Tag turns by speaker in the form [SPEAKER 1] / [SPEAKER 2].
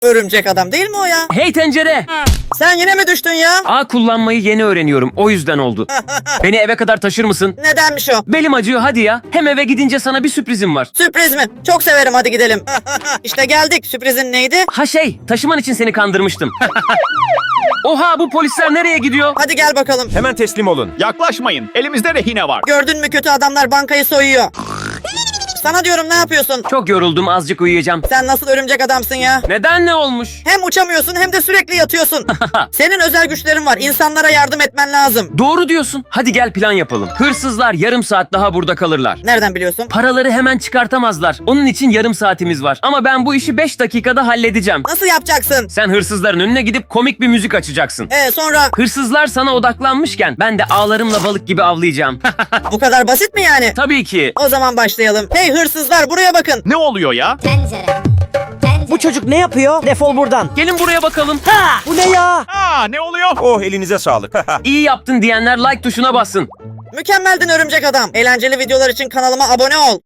[SPEAKER 1] Örümcek adam değil mi o ya?
[SPEAKER 2] Hey tencere!
[SPEAKER 1] Sen yine mi düştün ya?
[SPEAKER 2] Ağ kullanmayı yeni öğreniyorum. O yüzden oldu. Beni eve kadar taşır mısın?
[SPEAKER 1] Nedenmiş o?
[SPEAKER 2] Belim acıyor hadi ya. Hem eve gidince sana bir sürprizim var.
[SPEAKER 1] Sürpriz mi? Çok severim, hadi gidelim. İşte geldik. Sürprizin neydi?
[SPEAKER 2] Ha taşıman için seni kandırmıştım. Oha bu polisler nereye gidiyor?
[SPEAKER 1] Hadi gel bakalım.
[SPEAKER 3] Hemen teslim olun.
[SPEAKER 4] Yaklaşmayın. Elimizde rehine var.
[SPEAKER 1] Gördün mü, kötü adamlar bankayı soyuyor. Sana diyorum, ne yapıyorsun?
[SPEAKER 2] Çok yoruldum azıcık uyuyacağım.
[SPEAKER 1] Sen nasıl örümcek adamsın ya?
[SPEAKER 2] Neden ne olmuş?
[SPEAKER 1] Hem uçamıyorsun hem de sürekli yatıyorsun. Senin özel güçlerin var. İnsanlara yardım etmen lazım.
[SPEAKER 2] Doğru diyorsun. Hadi gel plan yapalım. Hırsızlar yarım saat daha burada kalırlar.
[SPEAKER 1] Nereden biliyorsun?
[SPEAKER 2] Paraları hemen çıkartamazlar. Onun için yarım saatimiz var. Ama ben bu işi 5 dakikada halledeceğim.
[SPEAKER 1] Nasıl yapacaksın?
[SPEAKER 2] Sen hırsızların önüne gidip komik bir müzik açacaksın.
[SPEAKER 1] Sonra
[SPEAKER 2] Hırsızlar sana odaklanmışken ben de ağlarımla balık gibi avlayacağım.
[SPEAKER 1] bu kadar basit mi yani?
[SPEAKER 2] Tabii ki.
[SPEAKER 1] O zaman başlayalım. Hey hırsızlar, buraya bakın.
[SPEAKER 4] Ne oluyor ya?
[SPEAKER 5] Tencere.
[SPEAKER 6] Bu çocuk ne yapıyor? Defol buradan.
[SPEAKER 2] Gelin buraya bakalım.
[SPEAKER 6] Bu ne ya?
[SPEAKER 4] Ne oluyor?
[SPEAKER 3] Oh elinize sağlık.
[SPEAKER 2] İyi yaptın diyenler like tuşuna bassın.
[SPEAKER 1] Mükemmeldin örümcek adam. Eğlenceli videolar için kanalıma abone ol.